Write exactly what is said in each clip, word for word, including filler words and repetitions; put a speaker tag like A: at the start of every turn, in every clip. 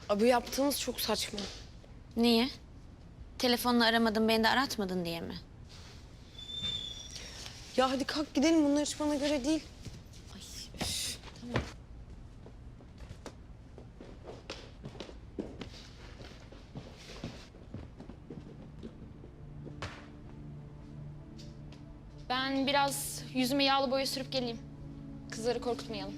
A: Abi yaptığımız çok saçma.
B: Niye? Telefonla aramadın, beni de aratmadın diye mi?
A: Ya hadi kalk gidelim, bunlar hiç bana göre değil.
B: Ay, üf, tamam.
C: Ben biraz yüzüme yağlı boya sürüp geleyim. Kızları korkutmayalım.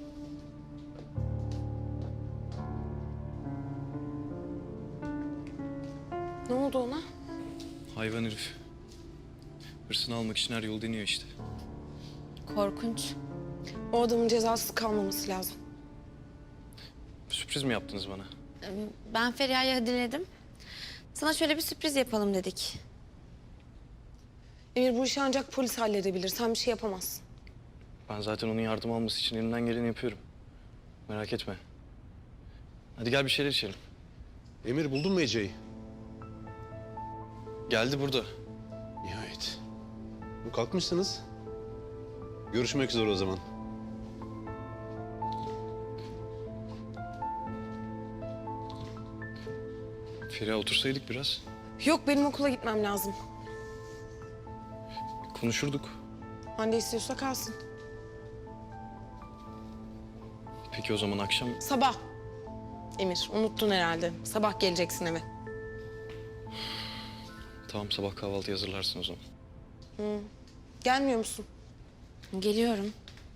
A: Ne oldu ona?
D: Hayvan herif. Hırsını almak için her yolu deniyor işte.
B: Korkunç.
A: O adamın cezasız kalmaması lazım.
D: Sürpriz mi yaptınız bana?
B: Ben Feriha'yı diledim. Sana şöyle bir sürpriz yapalım dedik.
A: Emir, bu işi ancak polis halledebilir. Sen bir şey yapamazsın.
D: Ben zaten onun yardım alması için elimden geleni yapıyorum. Merak etme. Hadi gel bir şeyler içelim.
E: Emir, buldun mu Ece'yi?
D: Geldi burada.
E: Nihayet. Bu kalkmışsınız. Görüşmek üzere o zaman.
D: Feriha otursaydık biraz.
A: Yok, benim okula gitmem lazım.
D: Konuşurduk.
A: Hande istiyorsa kalsın.
D: Peki o zaman akşam...
A: Sabah. Emir, unuttun herhalde. Sabah geleceksin eve.
D: Tamam, sabah kahvaltı hazırlarsın o zaman.
A: Gelmiyor musun?
B: Geliyorum.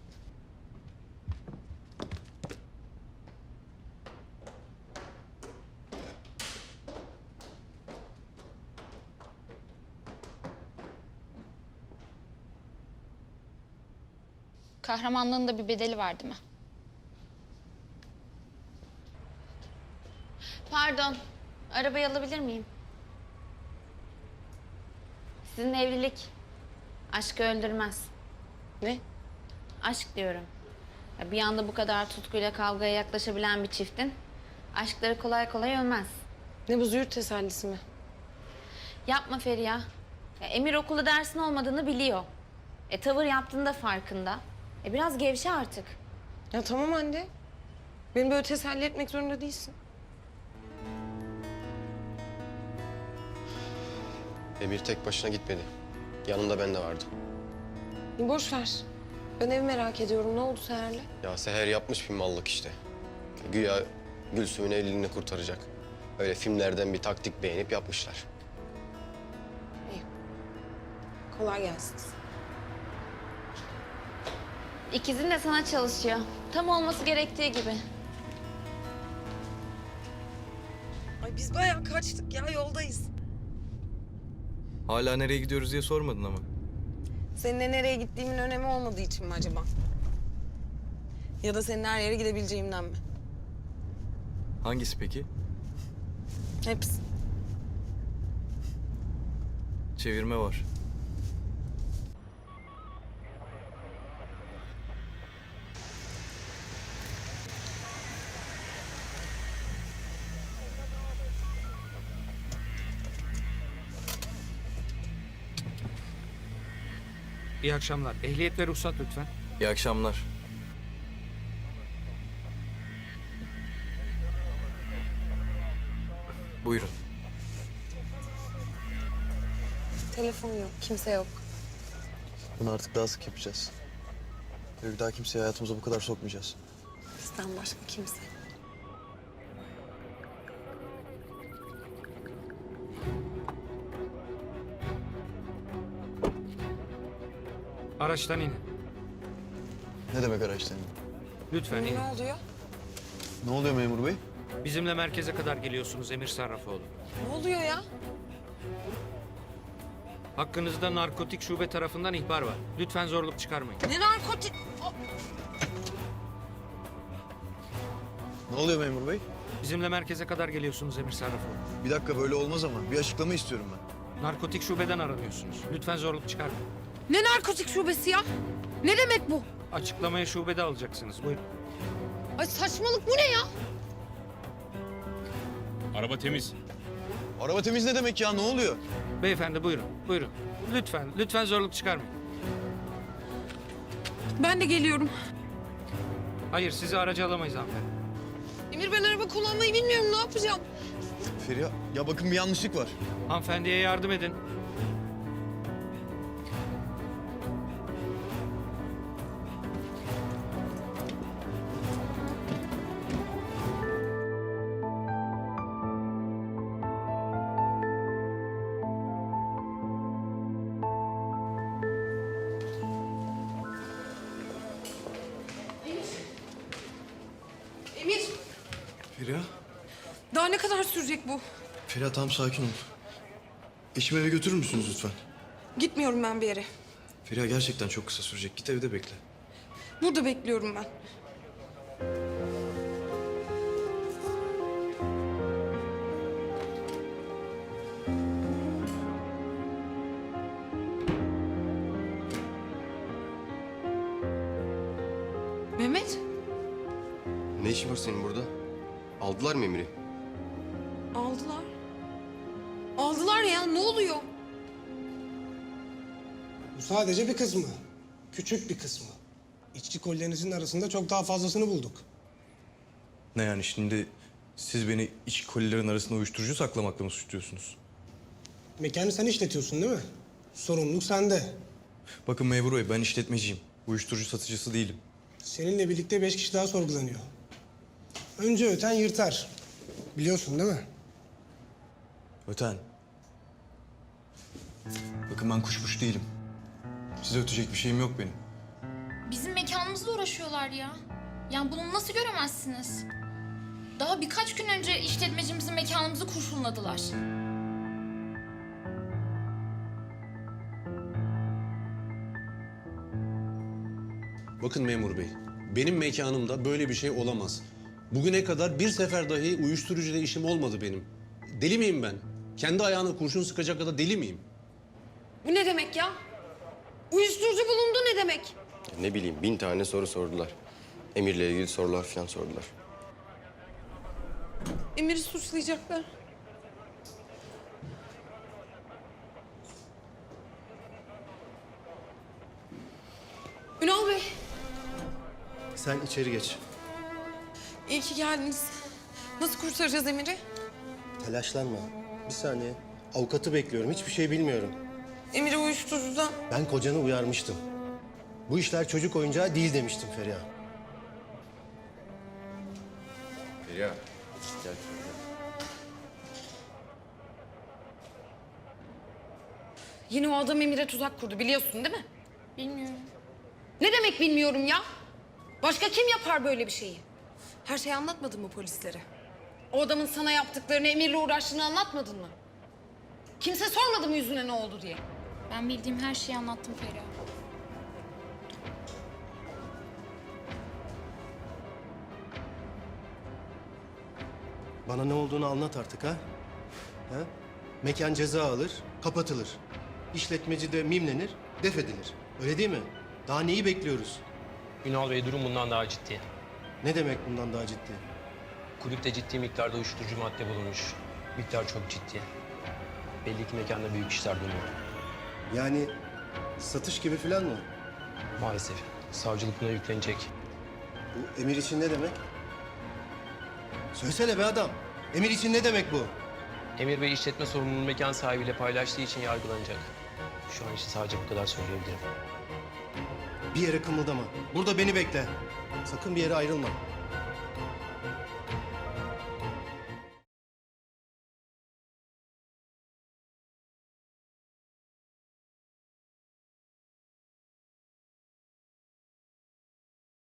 C: Kahramanlığın da bir bedeli var değil mi?
B: Pardon, arabayı alabilir miyim? Sizin evlilik aşkı öldürmez.
A: Ne?
B: Aşk diyorum. Ya bir anda bu kadar tutkuyla kavgaya yaklaşabilen bir çiftin aşkları kolay kolay ölmez.
A: Ne bu, züğürt tesellisi mi?
B: Yapma Feriha. Ya Emir okulda dersin olmadığını biliyor. E tavır yaptığında farkında. E biraz gevşe artık.
A: Ya tamam Hande. Beni böyle teselli etmek zorunda değilsin.
F: Emir tek başına gitmedi. Yanında ben de vardım.
A: Bir boş ver. Ben evi merak ediyorum. Ne oldu Seher'le?
F: Ya Seher yapmış bir mallık işte. Güya Gülsüm'ün evliliğini kurtaracak. Öyle filmlerden bir taktik beğenip yapmışlar.
A: İyi. Kolay gelsin.
B: İkizin de sana çalışıyor. Tam olması gerektiği gibi.
A: Ay biz bayağı kaçtık ya, yoldayız.
D: Hala nereye gidiyoruz diye sormadın ama.
A: Seninle nereye gittiğimin önemi olmadığı için mi acaba? Ya da senin her yere gidebileceğimden mi?
D: Hangisi peki?
A: Hepsi.
D: Çevirme var.
G: İyi akşamlar. Ehliyet ve ruhsat lütfen.
D: İyi akşamlar. Buyurun.
A: Telefon yok, kimse yok.
H: Bunu artık daha sık yapacağız. Ve bir daha kimseyi hayatımıza bu kadar sokmayacağız.
A: Bizden başka kimse.
G: Araçtan inin.
H: Ne demek araçtan?
G: Lütfen inin.
A: Ne oluyor?
H: Ne oluyor memur bey?
G: Bizimle merkeze kadar geliyorsunuz Emir Sarrafoğlu.
A: Ne oluyor ya?
G: Hakkınızda narkotik şube tarafından ihbar var. Lütfen zorluk çıkarmayın.
A: Ne narkotik?
H: Ne oluyor memur bey?
G: Bizimle merkeze kadar geliyorsunuz Emir Sarrafoğlu.
H: Bir dakika, böyle olmaz ama. Bir açıklama istiyorum ben.
G: Narkotik şubeden aranıyorsunuz. Lütfen zorluk çıkarmayın.
A: Ne narkotik şubesi ya? Ne demek bu?
G: Açıklamayı şubede alacaksınız. Buyurun.
A: Ay saçmalık, bu ne ya?
I: Araba temiz.
H: Araba temiz ne demek ya? Ne oluyor?
G: Beyefendi buyurun. Buyurun. Lütfen. Lütfen zorluk çıkarmayın.
A: Ben de geliyorum.
G: Hayır sizi araca alamayız hanımefendi.
A: Emir ben araba kullanmayı bilmiyorum. Ne yapacağım?
H: Feriha, ya bakın bir yanlışlık var.
G: Hanımefendiye yardım edin.
A: Emir,
H: Feriha?
A: daha ne kadar sürecek bu?
H: Feriha tamam sakin ol. Eşimi eve götürür müsünüz lütfen?
A: Gitmiyorum ben bir yere.
H: Feriha gerçekten çok kısa sürecek. Git evde bekle.
A: Burada bekliyorum ben. Mehmet,
F: Ne işin var senin burada? Aldılar mı Emir'i?
A: aldılar. Aldılar ya, ne oluyor?
I: Bu sadece bir kısmı. Küçük bir kısmı. İçki kollerinizin arasında çok daha fazlasını bulduk.
H: Ne yani şimdi siz beni iç kolilerin arasında uyuşturucu saklamakla mı suçluyorsunuz?
I: Mekanı sen işletiyorsun değil mi? Sorumluluk sende.
H: Bakın memur bey ben işletmeciyim. Uyuşturucu satıcısı değilim.
I: Seninle birlikte beş kişi daha sorgulanıyor. Önce öten yırtar. Biliyorsun değil mi?
H: Öten. Bakın ben kuşmuş değilim. Size ötecek bir şeyim yok benim.
C: Bizim mekanımızla uğraşıyorlar ya. Yani bunu nasıl göremezsiniz? Daha birkaç gün önce işletmecimizin mekanımızı kurşunladılar.
E: Bakın memur bey, benim mekanımda böyle bir şey olamaz. Bugüne kadar bir sefer dahi uyuşturucuyla işim olmadı benim. Deli miyim ben? Kendi ayağına kurşun sıkacak kadar deli miyim?
A: Bu ne demek ya? Uyuşturucu bulundu ne demek?
F: Ne bileyim bin tane soru sordular. Emir'le ilgili sorular falan sordular.
A: Emir'i suçlayacaklar. Ünal Bey,
J: Sen içeri geç.
A: iyi ki geldiniz. Nasıl kurtaracağız Emir'i?
J: Telaşlanma. Bir saniye. Avukatı bekliyorum. Hiçbir şey bilmiyorum.
A: Emir'i uyuşturucudan...
J: Ben kocanı uyarmıştım. Bu işler çocuk oyuncağı değil demiştim Feriha.
F: Feriha, gel.
A: Yine o adam Emir'e tuzak kurdu biliyorsun değil mi?
C: Bilmiyorum.
A: Ne demek bilmiyorum ya? Başka kim yapar böyle bir şeyi? Her şeyi anlatmadın mı polislere? O adamın sana yaptıklarını, Emir'le uğraştığını anlatmadın mı? Kimse sormadı mı yüzüne ne oldu diye?
C: Ben bildiğim her şeyi anlattım Feriha.
J: Bana ne olduğunu anlat artık ha? Ha? Mekan ceza alır, kapatılır. İşletmeci de mimlenir, def edilir. Öyle değil mi? Daha neyi bekliyoruz?
K: Ünal Bey durum bundan daha ciddi.
J: Ne demek bundan daha ciddi?
K: Kulüpte ciddi miktarda uyuşturucu madde bulunmuş. Miktar çok ciddi. Belli ki mekanda büyük işler dönüyor.
J: Yani satış gibi falan mı?
K: Maalesef savcılık buna yüklenecek.
J: Bu emir için ne demek? Söylesene be adam. Emir için ne demek bu?
K: Emir Bey işletme sorumluluğunu mekan sahibiyle paylaştığı için yargılanacak. Şu an için sadece bu kadar söyleyebilirim.
J: Bir yere kımıldama. Burada beni bekle. Sakın bir yere ayrılma.